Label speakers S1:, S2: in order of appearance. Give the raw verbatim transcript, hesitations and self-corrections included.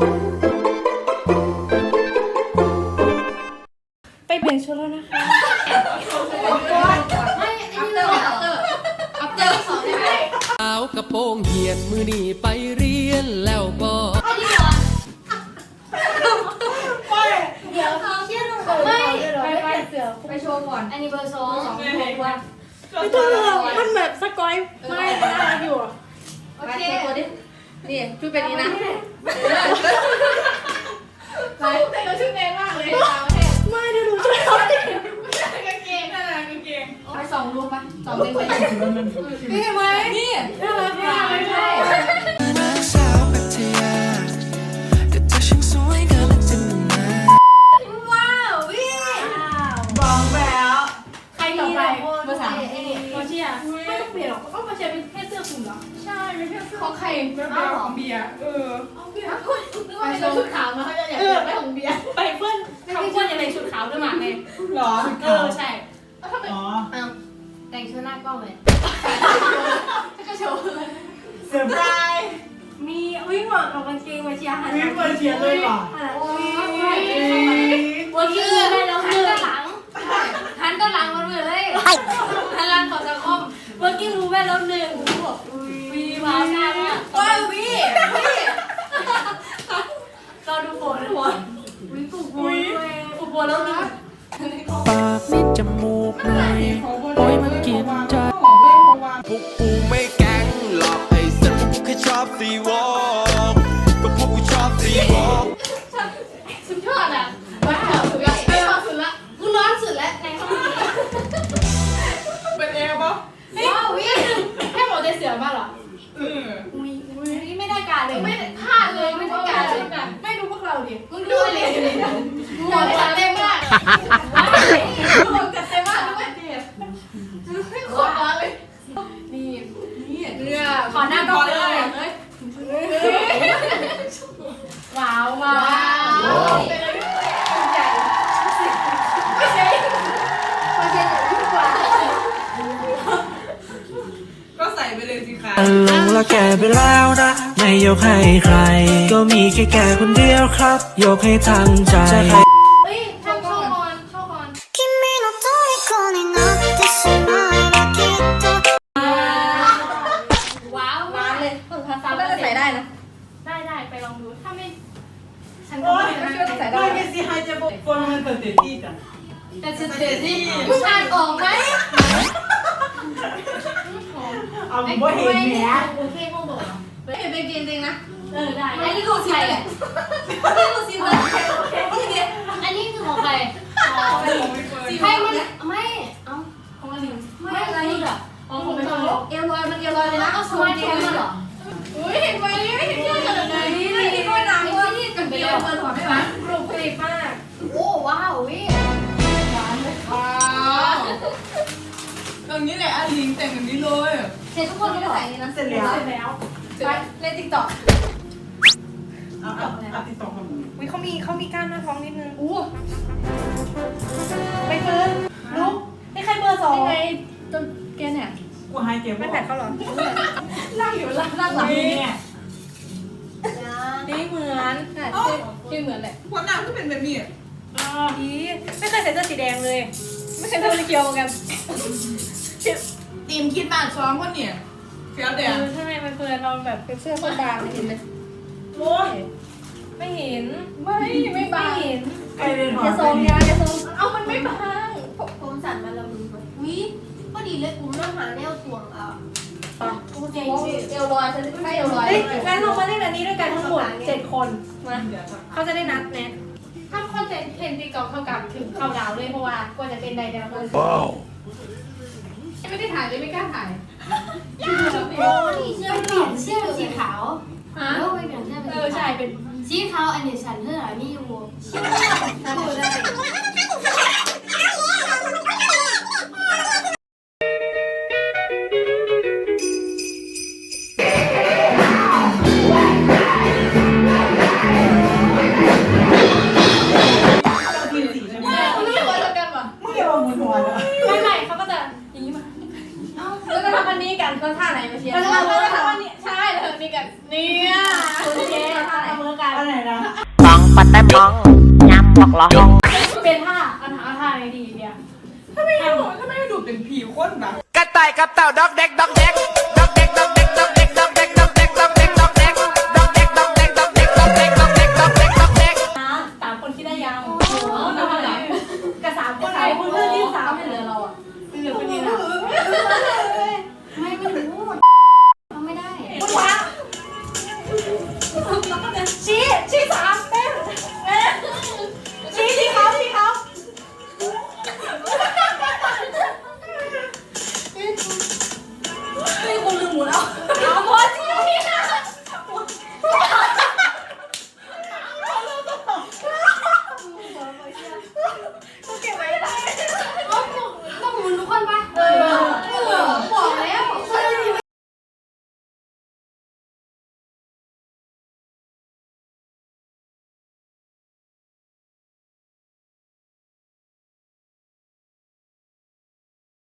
S1: ไปเปลี่ยนชุดแล้วนะคะ
S2: ไม่อันนี้เลยอัปเตอร์อัปเตอร์สอนได้ไหม
S3: สาวกระโปรงเหียดมือนี่ไปเรียนแล้วบ่
S2: อันนี้ก่อนเดี๋ยวเขาเชื่อหนูไม่ไปไปเสือไปโชว์ก่อนอันนี้เบอร์สองสองโชว์ก่อน
S1: ไม่ต้องหรอกมันแบบสกอยไม่ได้อยู่
S2: โอเคนี่ชุดเป็นนี้นะไปแต่เราชุดแรงมากเลย
S1: ไม่เดี๋ยวหนูช่วยเขาดิ
S2: กางเกงน่ารักกางเกงไปสองรูปไปสองเด้งไปนี่เห็นไหมนี่น่ารักมากเลยใช่
S3: สาวพัทยาแต่เธอช่างสวยเกินละจินตนา
S2: ว้าววิ
S1: บอกแล้ว
S2: ใครต่อไปเบอร์สาม
S1: มาเชียร์ไม่ต้องเปลี่ยนหรอกก็มาเชียร์เป็นแค่เสื้อคลุมเหรอ
S2: ใช่ไม่ใช่ของใคร
S1: เป็นของเบียร์เออ
S2: เอาเบียร์คุณนึกว่าเป็นชุดขาวมาเขาจะอยากได้ของเบียร์
S1: ไปเพื่อนทำเพื่อนยังไงชุดขาวด้วยหมากเลย
S4: หรอ
S1: เออใช่
S2: อ๋อแต่งชุดหน้ากล้องเลยจะโชว์เลย
S4: เซอร์ไพรส์
S1: มีวิ่งหมดกับกางเกงมาเชียร์หัน
S4: วิ่งมาเชียร์เลยเหรอ
S2: วันนี้ได้แล้วหันด้านหลังหันด้านหลังมันเหมือนเลยหันหลังของสังคม
S1: เมื่อกี้รู้แม่แล้วหนึ่งบอก
S2: วีมาหน้าเนี่ยว้าววีวี
S1: เราดูโผล่ดูโผล่
S2: วีปลุกโวย
S1: ปลุกโผล่แล้วนะ
S3: ปากนิดจมูกหน่อยโอ้ยมันกินใจพวกกูไม่แก๊งหรอกไอ้สัตว์พวกกูแค่ชอบซีวอล์กก็พวกกูชอบซีวอล์ก
S2: สุดยอดอ่ะว้าวสุดละไม่ร้อนสุดละกูร้อนสุดแล้วในห้องนี้
S4: เป็นเอวปะ
S2: ว้าววิ
S1: แค่หมดใจเสือมากหรอ
S4: เออ
S2: อุ้ยอุ้ยนี่ไม่ได้การเลยไม่พลาดเลยไม่ได้การเลย
S1: ไม่ดูพวกเราดิ
S2: มึงดูเลยหัวจัดเต็มมากหัวจัดเต็มมากด้วยขอร้อนเลยนี่นี่เนี่ยขอหน้ากล้องเลยเฮ้ย
S1: ว้าวว้าว
S2: เป็นอะไรใหญ่ไม่ใช่ไม่ใช่ทุกวัน
S4: ก็ใส่ไปเลยสิคะ
S3: ลงแล้วแก่ไปแล้วนะไม่ยกให้ใครก็มีแค่แก่คนเดียวครับยกให้ทั้งใจ
S2: เฮ้ยชอบก่อนชอบก่อน
S5: 君の虜になってしまえばきっと
S2: ว้าวว้าวเลยฝึกภาษา
S1: น่าจะใส่ได้นะ
S2: ได้ได้ไปลองดูถ้าไม่ฉันก็
S4: โอ้ย
S2: ไม่ได้ใส่ได้
S4: ไม่เป็นสิไฮจะบอกคนมันเตะเตะที่จ้ะ
S2: แต่ฉันเตะที่มึงอ่านออกไหม
S4: เอาบ่เห็นแหม
S2: โอเคโมบอกไม่เห็นเป็นจริงๆนะ
S1: เออได้
S2: อันนี้ดูสิเลยอันนี้ดูสิเลยอันนี้คือของใครใครมันไม่เอ้าของอันนี้ไม่อะไรอ่ะอ๋อของเป็นคนเอลลอยมันเอลลอยเลยนะเอาสมาร์ทแคมมันเหรออุ้ยเห็นไหมไม่เห็นที่ขนาดไหนนี่นี่ก็น้ำว่าที่กับเบียร์เปิดหัวไม่ไหว
S1: ปลุกผลิตมาก
S2: โอ้ว้าววิหวานเลยว้าว
S4: ตรงนี้แหละอาลิงแต่งแบบนี้เลย
S2: เสร็จทุกคนไม่ได้ใส่นี่นะ
S4: เสร็จแล้ว
S1: เสร็จแล้ว
S2: ไปเล่นติ๊กต็อก
S4: เอาเอาเอาติดต่อกัน
S1: วิเขามีเขามีก้านหน้าท้องนิดนึงอู้ไปเฟิร์นลุกนี่ใครเบอร์สองไงจนแกเนี่ย
S4: กูไฮเก็บ
S1: ไม่แผดเขาหรอ
S2: นั่งอยู่ล่างล่างหลัง
S4: นี่
S1: นี่เหมือน
S2: ที่เหมือนแหละ
S4: หัวหน้าก็เป็นแบบนี้
S1: อ๋อดีไม่เคยใส่เสื้อสีแดงเลยไม่เคยใส่เสื้อสีเขียวเหมือนกัน
S4: ทีมคิดมากซ้อมคนเนี่ยเฟี้ยวเดียว
S1: ใช่มันเฟิร์นเราแบบเป็นเสื้อคนบางเห็นไหม
S4: โอ้ย
S1: ไม่เห็น
S2: ไม่ไม่บาง
S1: เห็น
S4: ใครเป็นหอ
S1: อย่าทรงยาอย่าทรงเอามันไม่บาง
S2: ผมสั่นมาละมึงวิพอดีเลยกูต้องหาแนวถ่วงอ่ะกูเจ๋งเอลลอยฉันไม่เอลลอย
S1: เฮ้ยงั้นเรามาเล่นอันนี้ด้วยกันทั้งหมดเจ็ดคนมาเขาจะได้นัดแนะถ้าคอนเทนต์เพนตีกอล์ฟเท่ากับถึงเข้าดาวเลยเพราะว่ากว่าจะเป็นใดเดียวกัน
S2: ไม่ได้ถ่ายเลยไม่กล้าถ่ายโอ้นี่เสื้อเปลี่ยนเสื้อสีขาวฮะเออไม่เปลี่ยนเสื้อเป็น
S1: เออใช่เป็น
S2: สีขาวอันนี้ฉันเท่าไหร่นี่อยู่ฉันดูได้
S1: ไม่ไม่เขาก็จะอย่างนี้มาแล้วก็ทำอันนี้กันก็ท่าไหนมาเชียร์แล้วก็ทำอันนี้ใช่แล้วนี่กันเนี่ยโอเคท่าไหนเมื่อกัน
S4: อะไรนะ
S6: ปัดแต่มองยำบอกละห้อง
S1: เป็นท่าเอาท่าเอาท่าไหนดีเนี่ย
S4: ถ้าไม่ให้ดูถ้าไม่ให้ดูเป็นผีคนแบบ
S3: กระต่ายกับเต่าดอกเด็กดอกเด็กดอกเด็กดอกเด็กดอกเด็กดอกเด็กดอกเด็กดอกเด็กดอกเด็กดอกเด็กดอกเด็กดอกเด็กดอกเด็กดอกเด็กดอกเด็กดอกเด็ก
S1: นะสามคนคิดได้ยัง
S2: โอ้โหเอาไปไหน
S1: กับสามคนสามคนเพื่อนที่สาม
S2: ไม่เหลือเราอ่ะ
S1: ไม่เหลือคนนี้นะ
S2: ไม่ไม่รู้ทำไม่ได้
S1: คุณพระชี้ชี้